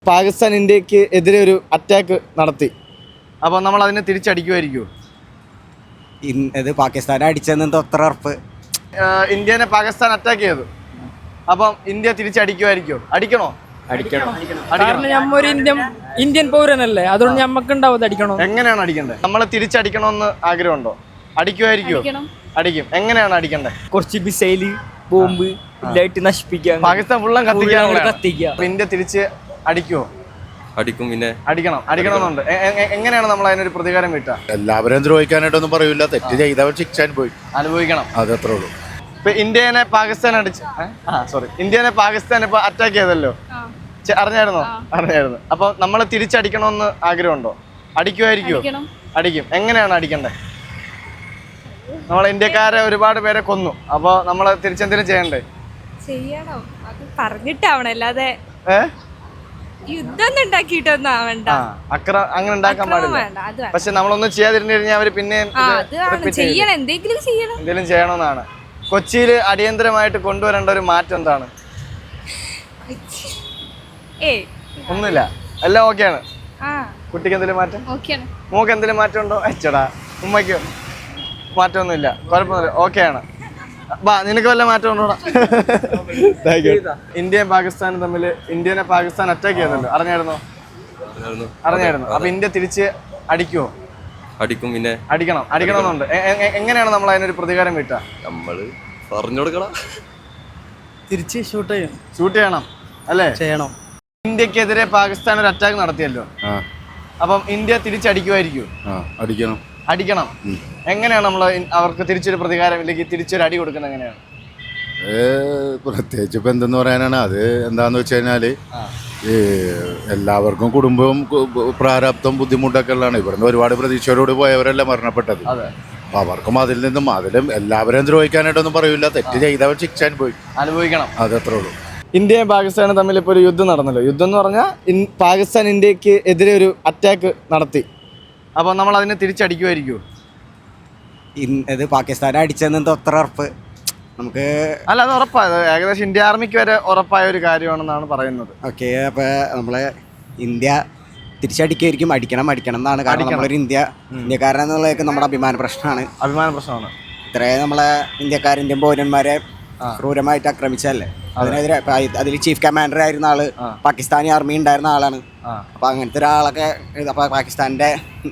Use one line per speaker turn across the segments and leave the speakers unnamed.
പാകിസ്ഥാൻ ഇന്ത്യക്ക് എതിരെ ഒരു അറ്റാക്ക് നടത്തി. അപ്പോൾ നമ്മൾ അതിനെ തിരിച്ചടിക്കുമായിരിക്കുമോ?
ഇത് പാകിസ്ഥാനെ അടിച്ചെന്ന് അത്ര ഉറപ്പ്.
ഇന്ത്യനെ പാകിസ്ഥാൻ അറ്റാക്ക് ചെയ്തു. അപ്പം ഇന്ത്യ തിരിച്ചടിക്കുമായിരിക്കുമോ? അടിക്കണോ?
കാരണം നമ്മൊരു ഇന്ത്യൻ പൗരനല്ലേ, അതുകൊണ്ട് ഞമ്മക്ക് ഉണ്ടാവും അടിക്കണോ.
എങ്ങനെയാണ് അടിക്കേണ്ടത്? നമ്മൾ തിരിച്ചടിക്കണമെന്ന് ആഗ്രഹമുണ്ടോ? അടിക്കുമായിരിക്കുമോ? അടിക്കും. എങ്ങനെയാണ് അടിക്കേണ്ടത്?
കുറച്ച് മിസൈല് ബോംബ് ഇല്ലായിട്ട് നശിപ്പിക്കുക,
പാകിസ്ഥാൻ ഫുള്ളും കത്തിക്കുക.
കത്തിക്കുക.
ഇന്ത്യ തിരിച്ച് അടിക്കുമോ?
അടിക്കും. പിന്നെ
അടിക്കണമെന്നുണ്ട്. എങ്ങനെയാണ് നമ്മൾ അതിനൊരു പ്രതികാരം കിട്ടുക?
എല്ലാവരും ദ്രോഹിക്കാനായിട്ടൊന്നും പറയൂല. തെറ്റ് ചെയ്തവർ ശിക്ഷ
അനുഭവിക്കണം.
അതത്രേ ഉള്ളൂ.
ഇപ്പൊ ഇന്ത്യനെ പാകിസ്ഥാൻ ഇന്ത്യനെ പാകിസ്ഥാൻ ഇപ്പൊ അറ്റാക്ക് ചെയ്തല്ലോ, അറിഞ്ഞായിരുന്നോ? അപ്പൊ നമ്മൾ തിരിച്ചടിക്കണമെന്ന് ആഗ്രഹമുണ്ടോ? അടിക്കുമായിരിക്കുമോ? അടിക്കും. എങ്ങനെയാണ് അടിക്കണ്ടേ? നമ്മൾ ഇന്ത്യക്കാരെ ഒരുപാട് പേരെ കൊന്നു. അപ്പൊ നമ്മൾ തിരിച്ചെന്തെങ്കിലും ചെയ്യണ്ടേ?
ചെയ്യണം. അത് പറഞ്ഞിട്ടാവണം, അല്ലാതെ യുദ്ധം ഉണ്ടാക്കിയിട്ടൊന്നും ആവണ്ട.
അങ്ങനെ ഉണ്ടാക്കാൻ പാടില്ല. പക്ഷെ നമ്മളൊന്നും ചെയ്യാതിരുന്നു കഴിഞ്ഞാൽ അവര് പിന്നെ എന്തെങ്കിലും ചെയ്യണമെന്നാണ്. കൊച്ചിയിൽ അടിയന്തരമായിട്ട് കൊണ്ടുവരേണ്ട ഒരു മാറ്റം എന്താണ്? ഒന്നുമില്ല, എല്ലാം ഓക്കെയാണ്. കുട്ടിക്ക് എന്തെങ്കിലും മാറ്റം? മോക്ക് എന്തെങ്കിലും മാറ്റം ഉണ്ടോ? അച്ചടാ, ഉമ്മയ്ക്കോ? മാറ്റമൊന്നുമില്ല, കുഴപ്പമൊന്നുമില്ല, ഓക്കെയാണ്. നിനക്ക് വല്ല മാറ്റം ഉണ്ടോടാ? ഇന്ത്യയും പാകിസ്ഥാനും തമ്മിൽ ഇന്ത്യനെ പാകിസ്ഥാൻ അറ്റാക്ക് ചെയ്തല്ലോ, അറിഞ്ഞായിരുന്നോ? അപ്പൊ ഇന്ത്യ തിരിച്ച് അടിക്കുമോ?
അടിക്കും. പിന്നെ
അടിക്കണമെന്നുണ്ട്. എങ്ങനെയാണ് നമ്മൾ അതിനൊരു പ്രതികാരം കിട്ടുക?
നമ്മള് പറഞ്ഞു കൊടുക്കണം.
തിരിച്ച് ഷൂട്ട്
ചെയ്യണം അല്ലേ?
ചെയ്യണം.
ഇന്ത്യക്കെതിരെ പാകിസ്ഥാൻ ഒരു അറ്റാക്ക് നടത്തിയല്ലോ, അപ്പം ഇന്ത്യ തിരിച്ചടിക്കുമായിരിക്കും? അടിക്കണം. എങ്ങനെയാണ് നമ്മൾ അവർക്ക് തിരിച്ചൊരു പ്രതികാരം ഇല്ലെങ്കിൽ തിരിച്ചൊരു അടി കൊടുക്കുന്നത്? എങ്ങനെയാണ്?
പ്രത്യേകിച്ച് ഇപ്പം എന്തെന്ന് പറയാനാണ് അത്? എന്താന്ന് വെച്ച് കഴിഞ്ഞാല് എല്ലാവർക്കും കുടുംബവും പ്രാരാബ്ദം ബുദ്ധിമുട്ടൊക്കെ ഉള്ളതാണ്. ഇവിടുന്ന് ഒരുപാട് പ്രതീക്ഷയോടുകൂടി പോയവരല്ല മരണപ്പെട്ടത്. അപ്പൊ അവർക്കും അതിലും എല്ലാവരെയും ദ്രോഹിക്കാനായിട്ടൊന്നും പറയൂല. തെറ്റ് ചെയ്തവർ ശിക്ഷ അനുഭവിക്കണം. അതത്രേ ഉള്ളൂ.
ഇന്ത്യയും പാകിസ്ഥാനും തമ്മിൽ ഇപ്പോൾ ഒരു യുദ്ധം നടന്നല്ലോ. യുദ്ധം എന്ന് പറഞ്ഞാൽ പാകിസ്ഥാൻ ഇന്ത്യക്ക് എതിരെ ഒരു അറ്റാക്ക് നടത്തി. അപ്പോൾ നമ്മൾ അതിനെ തിരിച്ചടിക്കുമായിരിക്കുമോ?
ഇത് പാകിസ്ഥാനെ അടിച്ചെന്ന് അത്ര ഉറപ്പ് നമുക്ക്
അല്ല, അത് ഉറപ്പായത് ഏകദേശം ഇന്ത്യ ആർമിക്ക് വരെ ഉറപ്പായ ഒരു കാര്യമാണെന്നാണ് പറയുന്നത്.
ഓക്കെ, അപ്പോൾ നമ്മളെ ഇന്ത്യ തിരിച്ചടിക്കുമായിരിക്കും. അടിക്കണം എന്നാണ്. കാരണം നമ്മളൊരു ഇന്ത്യക്കാരനെന്നുള്ളതൊക്കെ നമ്മുടെ അഭിമാന പ്രശ്നമാണ്. ഇത്രയും നമ്മളെ ഇന്ത്യൻ പൗരന്മാരെ ക്രൂരമായിട്ട് ആക്രമിച്ചല്ലേ. അതിനെതിരെ അതിൽ ചീഫ് കമാൻഡർ ആയിരുന്ന ആള് പാകിസ്ഥാനി ആർമി ഉണ്ടായിരുന്ന ആളാണ്. അപ്പൊ അങ്ങനത്തെ ഒരാളൊക്കെ അപ്പൊ പാകിസ്ഥാന്റെ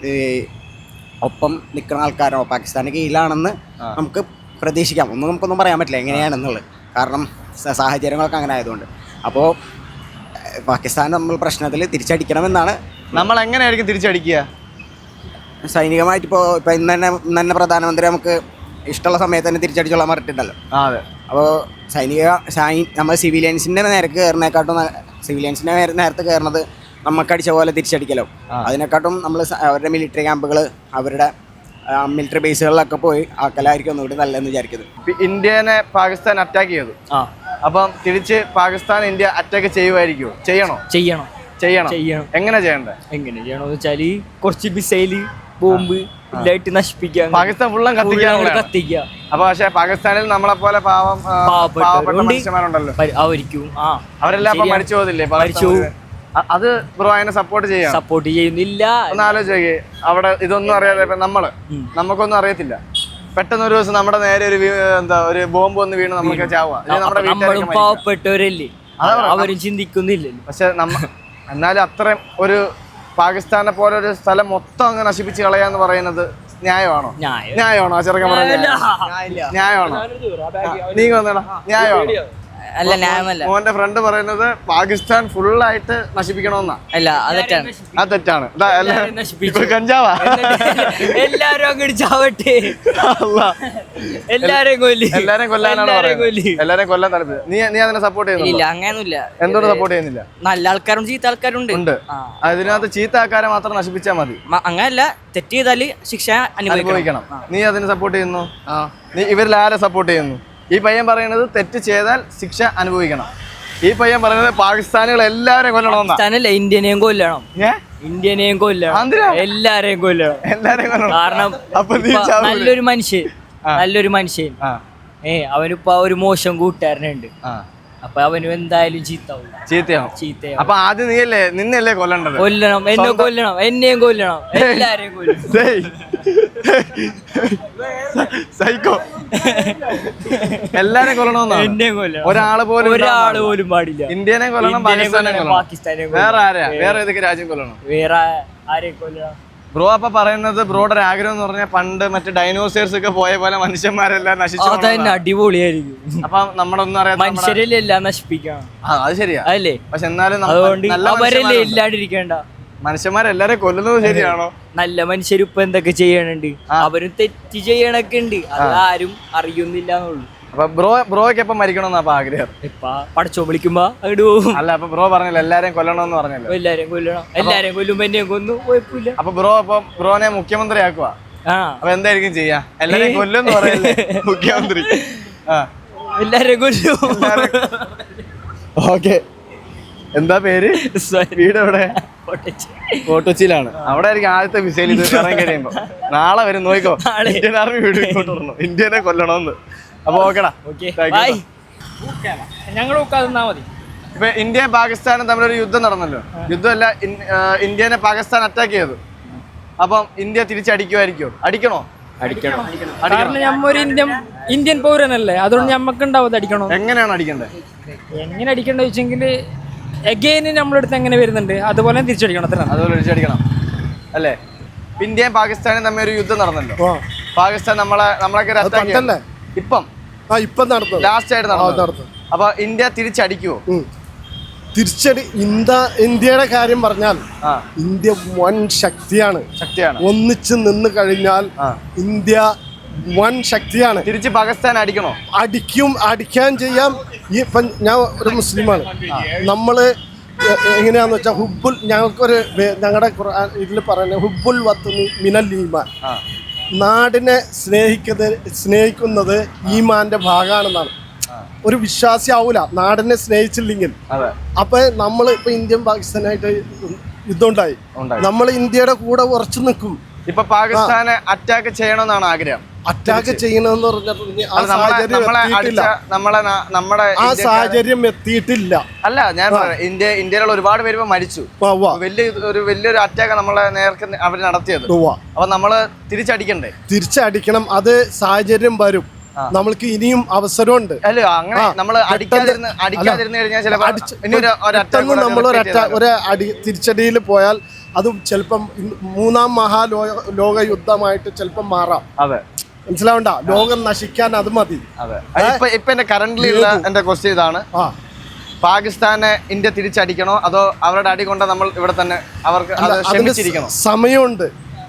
ഒപ്പം നിൽക്കുന്ന ആൾക്കാരോ പാകിസ്ഥാന്റെ കീഴിലാണെന്ന് നമുക്ക് പ്രതീക്ഷിക്കാം. നമുക്കൊന്നും പറയാൻ പറ്റില്ല എങ്ങനെയാണെന്നുള്ളത്, കാരണം സാഹചര്യങ്ങളൊക്കെ അങ്ങനെ ആയതുകൊണ്ട്. അപ്പോൾ പാകിസ്ഥാൻ നമ്മൾ പ്രശ്നത്തിൽ തിരിച്ചടിക്കണമെന്നാണ്.
നമ്മൾ എങ്ങനെയായിരിക്കും തിരിച്ചടിക്കുക?
സൈനികമായിട്ട് ഇപ്പൊ ഇന്ന് തന്നെ പ്രധാനമന്ത്രി നമുക്ക് ഇഷ്ടമുള്ള സമയത്ത് തന്നെ തിരിച്ചടിച്ചോളാൻ പറഞ്ഞിട്ടുണ്ടല്ലോ. അപ്പോൾ നമ്മൾ സിവിലിയൻസിന്റെ നേരക്ക് കയറുന്നതിനെക്കാട്ടും സിവിലിയൻസിന്റെ നേരത്തെ കയറുന്നത് നമുക്ക് അടിച്ച പോലെ തിരിച്ചടിക്കലോ. അതിനെക്കാട്ടും നമ്മൾ അവരുടെ മിലിറ്ററി ക്യാമ്പുകൾ, അവരുടെ മിലിറ്ററി ബേസുകളിലൊക്കെ പോയി ആക്കലായിരിക്കും ഒന്നുകൂടി നല്ലതെന്ന് വിചാരിക്കുന്നത്.
ഇന്ത്യനെ പാകിസ്ഥാൻ അറ്റാക്ക് ചെയ്തു. അപ്പം തിരിച്ച് പാകിസ്ഥാൻ ഇന്ത്യ അറ്റാക്ക് ചെയ്യുമായിരിക്കുമോ? ചെയ്യണം. എങ്ങനെ ചെയ്യണമെന്ന്
വെച്ചാല് കുറച്ച് മിസൈല് ബോംബ് ഇല്ലായിട്ട് നശിപ്പിക്കുക, പാകിസ്ഥാൻ ഫുള്ളും കത്തിക്കുക.
അപ്പൊ പക്ഷെ പാകിസ്ഥാനിൽ നമ്മളെ പോലെ പാവപ്പെട്ട മനുഷ്യന്മാരുണ്ടല്ലോ, അവരെല്ലാം മരിച്ചു പോകുന്നില്ലേ? അത് ബ്രോ അതിനെ സപ്പോർട്ട്
ചെയ്യുന്നില്ല.
ഒന്ന് ആലോചിക്കേ, അവിടെ ഇതൊന്നും അറിയാതെ നമുക്കൊന്നും അറിയത്തില്ല. പെട്ടെന്ന് ഒരു ദിവസം നമ്മുടെ നേരെ ഒരു ബോംബ് വന്ന് വീണ് നമുക്ക് ചാവുക.
നമ്മുടെ പാവപ്പെട്ടവരല്ലേ, അവരും ചിന്തിക്കുന്നില്ലല്ലോ.
പക്ഷെ എന്നാലും അത്രയും ഒരു പാകിസ്ഥാനെ പോലെ ഒരു സ്ഥലം മൊത്തം അങ്ങ് നശിപ്പിച്ച് കളയാന്ന് പറയുന്നത് ന്യായമാണോ? ആ ചെറുക്കൻ പറഞ്ഞ ന്യായമാണോ? നീ വന്നേടാ, ന്യായമാണോ?
അല്ല, ന്യായമല്ല.
മോന്റെ ഫ്രണ്ട് പറയുന്നത് പാകിസ്ഥാൻ ഫുള്ളായിട്ട് നശിപ്പിക്കണമെന്നാ.
അല്ല, അത് തെറ്റാണ്.
കഞ്ചാവാ
എല്ലാരും അങ്ങോട്ട് ചാവട്ടെ, എല്ലാരെയും
കൊല്ലാനാണ് പറയുന്നത്. എല്ലാരെയും കൊല്ലാൻ താല്പര്യം. നീ അതിനെ സപ്പോർട്ട് ചെയ്യുന്നില്ല?
അങ്ങനെയൊന്നുമില്ല.
എന്തുകൊണ്ട് സപ്പോർട്ട് ചെയ്യുന്നില്ല?
നല്ല ആൾക്കാരും ചീത്ത ആൾക്കാരും ഉണ്ട്.
അതിനകത്ത് ചീത്ത ആൾക്കാരെ മാത്രം നശിപ്പിച്ചാൽ മതി.
അങ്ങനല്ല, തെറ്റ് ചെയ്താല് ശിക്ഷ അനുഭവിക്കണം.
നീ അതിന് സപ്പോർട്ട് ചെയ്യുന്നു? നീ ഇവരിൽ ആരെ സപ്പോർട്ട് ചെയ്യുന്നു? ഈ പയ്യൻ പറയുന്നത് തെറ്റ് ചെയ്താൽ ശിക്ഷ അനുഭവിക്കണം. ഈ പയ്യൻ പറയുന്നത് പാകിസ്ഥാനികൾ എല്ലാവരെയും കൊല്ലണമെന്നാ.
ഇന്ത്യനെയും കൊല്ലണം, എല്ലാരെയും കൊല്ലണം. കാരണം നല്ലൊരു മനുഷ്യൻ അവനിപ്പോ ഒരു മോശം കൂട്ടുകാരനുണ്ട്. അപ്പൊ അവനും എന്തായാലും
ചീത്തയാവും.
ചീത്തയാവും.
അപ്പൊ ആദ്യം നിന്നല്ലേ കൊല്ലണ്ടത്?
കൊല്ലണം, എന്നെയും കൊല്ലണം, എല്ലാരെയും കൊല്ലണം.
സൈക്കോ എല്ലാരും കൊല്ലണമെന്നാണ്.
എന്നെയും കൊല്ലണം.
ഒരാള് പോലും
പാടില്ല.
ഇന്ത്യനെ കൊല്ലണം, പാകിസ്ഥാനെ കൊല്ലണം.
പാകിസ്ഥാനെ
വേറെ ആരെയാ? വേറെ ഏതൊക്കെ രാജ്യം കൊല്ലണം?
വേറെ ആരെയും കൊല്ലണം?
ബ്രോ അപ്പൊ പറയുന്നത് ബ്രോയുടെ ഒരു ആഗ്രഹം എന്ന് പറഞ്ഞാൽ പണ്ട് മറ്റേ ഡൈനോസേഴ്സ് ഒക്കെ പോയ പോലെ മനുഷ്യന്മാരെല്ലാം നശിച്ചു.
അതന്നെ അടിപൊളിയായിരിക്കും.
അപ്പൊ നമ്മുടെ ഒന്നും അറിയാം,
മനുഷ്യരല്ലേ എല്ലാം നശിപ്പിക്കാം.
അത് ശരിയാ.
അതല്ലേ?
പക്ഷെ എന്നാലും
അതുകൊണ്ട് അവരല്ലേ ഇല്ലാണ്ടിരിക്കേണ്ട.
മനുഷ്യന്മാരെല്ലാരും കൊല്ലുന്നത് ശരിയാണോ?
നല്ല മനുഷ്യർ ഇപ്പൊ എന്തൊക്കെ ചെയ്യണുണ്ട്, അവരും തെറ്റ് ചെയ്യണൊക്കെ ഉണ്ട്, അതാരും അറിയുന്നില്ല എന്നുള്ളൂ.
അപ്പൊ ബ്രോയ്ക്ക് എപ്പം മരിക്കണമെന്നാ അപ്പൊ ആഗ്രഹം?
ഇപ്പൊ പടച്ചോ വിളിക്കുമ്പോ അങ്ങോട്ട് പോകും.
അല്ല, അപ്പൊ ബ്രോ പറഞ്ഞല്ലോ എല്ലാരെയും കൊല്ലണമെന്ന് പറഞ്ഞല്ലോ.
എല്ലാരെയും കൊല്ലണം, എല്ലാരെയും കൊല്ലുമ്പോ എന്നെയും കൊന്നു, കുഴപ്പമില്ല.
അപ്പൊ ബ്രോനെ മുഖ്യമന്ത്രി ആക്കുവാ. അപ്പൊ എന്തായിരിക്കും ചെയ്യാ? എല്ലാരെയും കൊല്ലുമെന്ന് പറയല്ലേ മുഖ്യമന്ത്രി?
എല്ലാരെയും കൊല്ലും.
ഓക്കെ, എന്താ പേര്? വീട് എവിടെ? കോട്ടച്ചിയിലാണ്. അവിടെ ആയിരിക്കും ആദ്യത്തെ മിസൈൽ ഇത് ഇറങ്ങി കഴിയുമ്പോ. നാളെ വരും, നോക്കോ. ഇന്ത്യൻ ആർമി വീട് ഇങ്ങോട്ട് വരണം, ഇന്ത്യനെ കൊല്ലണമെന്ന്. അപ്പൊ ഓക്കെടാ,
ഞങ്ങൾ മതി.
ഇപ്പൊ ഇന്ത്യയും പാകിസ്ഥാനും തമ്മിലൊരു യുദ്ധം നടന്നല്ലോ. യുദ്ധമല്ല, ഇന്ത്യനെ പാകിസ്ഥാൻ അറ്റാക്ക് ചെയ്തു. അപ്പം ഇന്ത്യ തിരിച്ചടിക്കുമായിരിക്കും? അടിക്കണോ?
കാരണം നമ്മൊരു ഇന്ത്യൻ പൗരനല്ലേ, അതുകൊണ്ട് ഞമ്മക്ക് ഉണ്ടാവും അടിക്കണോ.
എങ്ങനെയാണ് അടിക്കേണ്ടത്?
എങ്ങനെ അടിക്കണ്ട വെച്ചെങ്കിൽ എഗെയിന് നമ്മളെടുത്ത് എങ്ങനെ വരുന്നുണ്ട് അതുപോലെ തിരിച്ചടിക്കണം.
അതുപോലെ തിരിച്ചടിക്കണം അല്ലേ? ഇന്ത്യയും പാകിസ്ഥാനും തമ്മിൽ ഒരു യുദ്ധം നടന്നല്ലോ. പാകിസ്ഥാൻ നമ്മളൊക്കെ ഇപ്പം ലാസ്റ്റ് ആയിട്ട് നടന്നു. അപ്പൊ ഇന്ത്യ തിരിച്ചടിക്കുവോ?
ഇന്ത്യയുടെ കാര്യം പറഞ്ഞാൽ ഇന്ത്യ വൻ ശക്തിയാണ്. ഒന്നിച്ച് നിന്ന് കഴിഞ്ഞാൽ ഇന്ത്യ വൻ ശക്തിയാണ്.
തിരിച്ച് പാകിസ്ഥാൻ അടിക്കണോ?
അടിക്കാൻ ചെയ്യാം. ഞാൻ ഒരു മുസ്ലിമാണ്. നമ്മള് എങ്ങനെയാന്ന് വെച്ചാൽ ഞങ്ങളുടെ ഇതിൽ പറയുന്നത് ഹുബുൽ വത്നി മിനൽ ഈമാൻ. നാടിനെ സ്നേഹിക്കുന്നത് ഈമാന്റെ ഭാഗമാണെന്നാണ്. ഒരു വിശ്വാസി ആവൂല നാടിനെ സ്നേഹിച്ചില്ലെങ്കിൽ. അപ്പൊ നമ്മൾ ഇപ്പൊ ഇന്ത്യൻ പാകിസ്ഥാനായിട്ട് യുദ്ധം ഉണ്ടായി, നമ്മൾ ഇന്ത്യയുടെ കൂടെ ഉറച്ചു നിൽക്കും.
ഇപ്പൊ പാകിസ്ഥാനെ അറ്റാക്ക് ചെയ്യണമെന്നാണ് ആഗ്രഹം.
അറ്റാക്ക് ചെയ്യണമെന്ന് പറഞ്ഞിട്ടുണ്ടെങ്കിൽ ആ സാഹചര്യം എത്തിയിട്ടില്ല.
അല്ല, ഞാൻ ഇന്ത്യയിലുള്ള ഒരുപാട് പേര് മരിച്ചു. വലിയൊരു അറ്റാക്ക് നമ്മളെ നേർക്ക് അവർ നടത്തിയത്. അപ്പൊ നമ്മള്
തിരിച്ചടിക്കണം. അത് സാഹചര്യം വരും. നമ്മൾക്ക് ഇനിയും അവസരമുണ്ട്.
അല്ല, അങ്ങനെ നമ്മള്
ഒരു തിരിച്ചടിയിൽ പോയാൽ അതും ചിലപ്പം 3ാം മഹാലോക യുദ്ധമായിട്ട് ചിലപ്പം മാറാം.
അതെ,
മനസ്സിലാവണ്ട. ലോകം നശിക്കാൻ അത് മതി.
ഇപ്പൊ എന്റെ കറന്റ്ലി ഉള്ള എന്റെ ക്വസ്റ്റ്യൻ ഇതാണ്: പാകിസ്ഥാനെ ഇന്ത്യ തിരിച്ചടിക്കണോ അതോ അവരുടെ അടി കൊണ്ട് നമ്മൾ ഇവിടെ തന്നെ അവർക്ക്
സമയമുണ്ട്.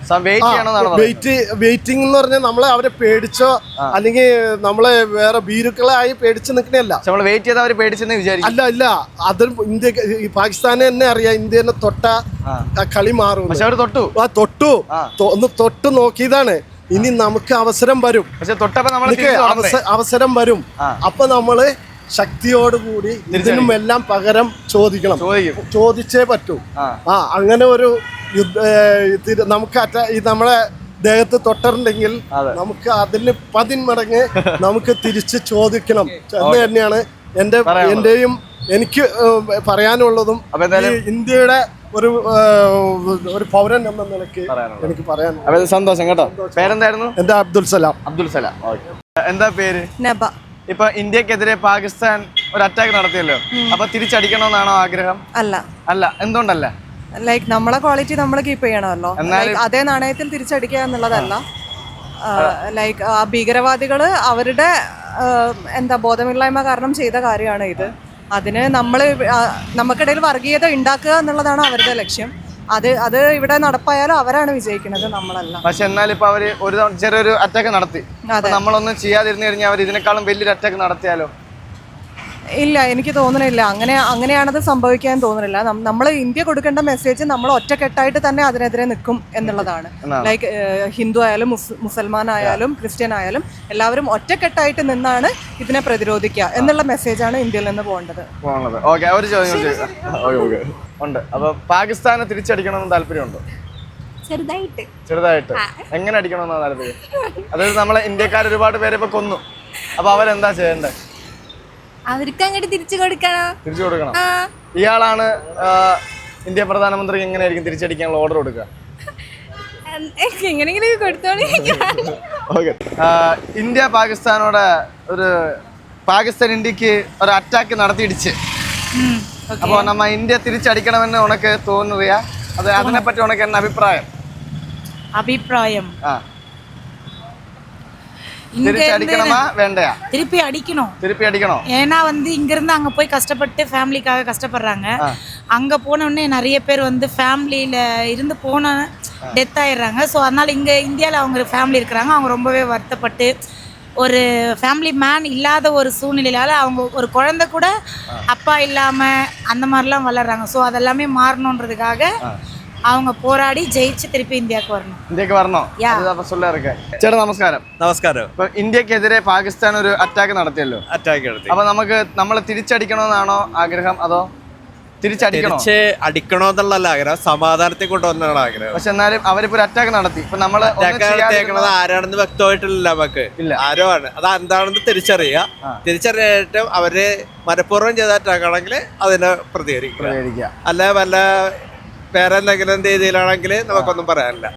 വെയിറ്റിംഗ് എന്ന് പറഞ്ഞാൽ നമ്മളെ അവരെ പേടിച്ചോ അല്ലെങ്കിൽ നമ്മളെ വേറെ ഭീരുക്കളായി പേടിച്ച് നിൽക്കണല്ല.
വെയിറ്റ് ചെയ്ത് അവർ പേടിച്ചെന്ന് വിചാരിക്കും.
അല്ല, അത് പാകിസ്ഥാനെ തന്നെ അറിയാം. ഇന്ത്യനെ തൊട്ട കളി മാറും.
പക്ഷെ അവർ
തൊട്ടു നോക്കിയതാണ്. ഇനി നമുക്ക് അവസരം വരും. അവസരം വരും. അപ്പൊ നമ്മള് ശക്തിയോടുകൂടി ഇതിനും എല്ലാം പകരം ചോദിച്ചേ പറ്റൂ. അങ്ങനെ ഒരു നമുക്ക് നമ്മളെ ദേഹത്ത് തൊട്ടിട്ടുണ്ടെങ്കിൽ നമുക്ക് അതിന് 10 മടങ്ങ് നമുക്ക് തിരിച്ച് ചോദിക്കണം എന്ന് തന്നെയാണ് എന്റെയും എനിക്ക് പറയാനുള്ളതും. ഇന്ത്യയുടെ ഒരു പൗരൻ എന്ന നിലയ്ക്ക് എനിക്ക് പറയാൻ
സന്തോഷം കേട്ടോ. പേരെന്തായിരുന്നു?
എന്റെ അബ്ദുൽ സലാം.
എന്താ പേര്?
നബ.
ഇപ്പൊ ഇന്ത്യക്കെതിരെ പാകിസ്ഥാൻ ഒരു അറ്റാക്ക് നടത്തിയല്ലോ. അപ്പൊ തിരിച്ചടിക്കണമെന്നാണോ ആഗ്രഹം? അല്ല, എന്തുകൊണ്ടല്ല?
ലൈക്ക് നമ്മളെ ക്വാളിറ്റി നമ്മൾ കീപ്പ് ചെയ്യണമല്ലോ. അതേ നാണയത്തിൽ തിരിച്ചടിക്കുക എന്നുള്ളതല്ല. ലൈക്ക് ആ ഭീകരവാദികൾ അവരുടെ ബോധമില്ലായ്മ കാരണം ചെയ്ത കാര്യമാണ് ഇത്. അതിന് നമുക്കിടയിൽ വർഗീയത ഉണ്ടാക്കുക എന്നുള്ളതാണ് അവരുടെ ലക്ഷ്യം. അത് ഇവിടെ നടപ്പായാലും അവരാണ് വിജയിക്കുന്നത്, നമ്മളല്ല.
പക്ഷെ എന്നാലും ഇപ്പൊ അവര് ചെറിയൊരു അറ്റാക്ക് നടത്തി. നമ്മളൊന്നും ചെയ്യാതിരുന്നു കഴിഞ്ഞാൽ അവർ ഇതിനേക്കാളും വലിയൊരു അറ്റാക്ക് നടത്തിയാലോ?
ഇല്ല, എനിക്ക് തോന്നുന്നില്ല. അങ്ങനെയാണത് സംഭവിക്കാൻ തോന്നുന്നില്ല. നമ്മൾ ഇന്ത്യ കൊടുക്കേണ്ട മെസ്സേജ് നമ്മൾ ഒറ്റക്കെട്ടായിട്ട് തന്നെ അതിനെതിരെ നിൽക്കും എന്നുള്ളതാണ്. ലൈക്ക് ഹിന്ദു ആയാലും മുസൽമാൻ ആയാലും ക്രിസ്ത്യൻ ആയാലും എല്ലാവരും ഒറ്റക്കെട്ടായിട്ട് നിന്നാണ് ഇതിനെ പ്രതിരോധിക്കുക എന്നുള്ള മെസ്സേജാണ് ഇന്ത്യയിൽ നിന്ന് പോകേണ്ടത്.
ഉണ്ട്. അപ്പൊ പാകിസ്ഥാനെ തിരിച്ചടിക്കണമെന്ന് താല്പര്യമുണ്ടോ? ചെറുതായിട്ട്. എങ്ങനെ അടിക്കണമെന്നാണ് താല്പര്യം? അതായത് നമ്മളെ ഇന്ത്യക്കാർ ഒരുപാട് പേരെ ഇപ്പൊ കൊന്നു. അപ്പൊ അവരെന്താ ചെയ്യണ്ടേ?
അവർക്ക് അങ്ങോട്ട് തിരിച്ചു കൊടുക്കണോ?
തിരിച്ചു കൊടുക്കണം.
ആ
ഇയാളാണ് ഇന്ത്യ പ്രധാനമന്ത്രിക്ക് എങ്ങനെയായിരിക്കും തിരിച്ചടിക്കാനുള്ള ഓർഡർ കൊടുക്കുക?
എങ്ങനെയെങ്കിലും കൊടുത്തോളി.
ഓക്കെ. ഇന്ത്യ പാകിസ്ഥാനോട് പാകിസ്ഥാൻ ഇന്ത്യക്ക് ഒരു അറ്റാക്ക് നടത്തിയിടിച്ച്, അപ്പോൾ നമ്മ ഇന്ത്യ തിരിച്ചടിക്കണമെന്ന് ഉനക്ക് തോന്നുകയാ? അതിനെപ്പറ്റി ഉനക്ക് என்ன അഭിപ്രായം? തിരിച്ചടിക്കണമാ வேண்டையா?
திருப்பி அடிக்கணும்.
திருப்பி அடிக்கணும்.
ஏன்னா இங்க இருந்து அங்க போய் கஷ்டப்பட்டு ஃபேமிலிக்காக கஷ்டப்படுறாங்க. அங்க போன உடனே நிறைய பேர் ஃபேமிலியில இருந்து போன டெத் ஆயிடுறாங்க. ஸோ அதனால இங்க இந்தியாவில் அவங்க ஃபேமிலி இருக்கிறாங்க. அவங்க ரொம்பவே வருத்தப்பட்டு ஒரு ஃபேமிலி மேன் இல்லாத ஒரு சூழ்நிலையால அவங்க ஒரு குழந்தை கூட அப்பா இல்லாம அந்த மாதிரிலாம் வளர்றாங்க. ஸோ அதெல்லாமே மாறணுன்றதுக்காக அவங்க போராடி ஜெயிச்சு திருப்பி ഇന്ത്യക്ക് വരണം.
ചേട്ടാ നമസ്കാരം.
നമസ്കാരം.
ഇപ്പൊ ഇന്ത്യക്കെതിരെ പാകിസ്ഥാൻ ഒരു അറ്റാക്ക് നടത്തിയല്ലോ. അപ്പൊ നമ്മൾ തിരിച്ചടിക്കണമെന്നാണോ ആഗ്രഹം, അതോ
അടിക്കണോന്നുള്ള ആഗ്രഹം, സമാധാനത്തെ കൊണ്ടുവന്നാണ് ആഗ്രഹം.
പക്ഷെ എന്നാലും അവരിപ്പോ ഒരു അറ്റാക്ക് നടത്തി. ഇപ്പൊ നമ്മള്
ആരാണെന്ന് വ്യക്തമായിട്ടില്ല, നമുക്ക് ആരോ ആണ്. അത് എന്താണെന്ന് തിരിച്ചറിയായിട്ടും അവര് മനഃപൂർവ്വം ചെയ്ത അറ്റാക്കാണെങ്കിൽ അതിനെ പ്രതികരിക്കുക. അല്ല വല്ല വേറെ എന്തെങ്കിലും രീതിയിലാണെങ്കിൽ നമുക്കൊന്നും പറയാനില്ല.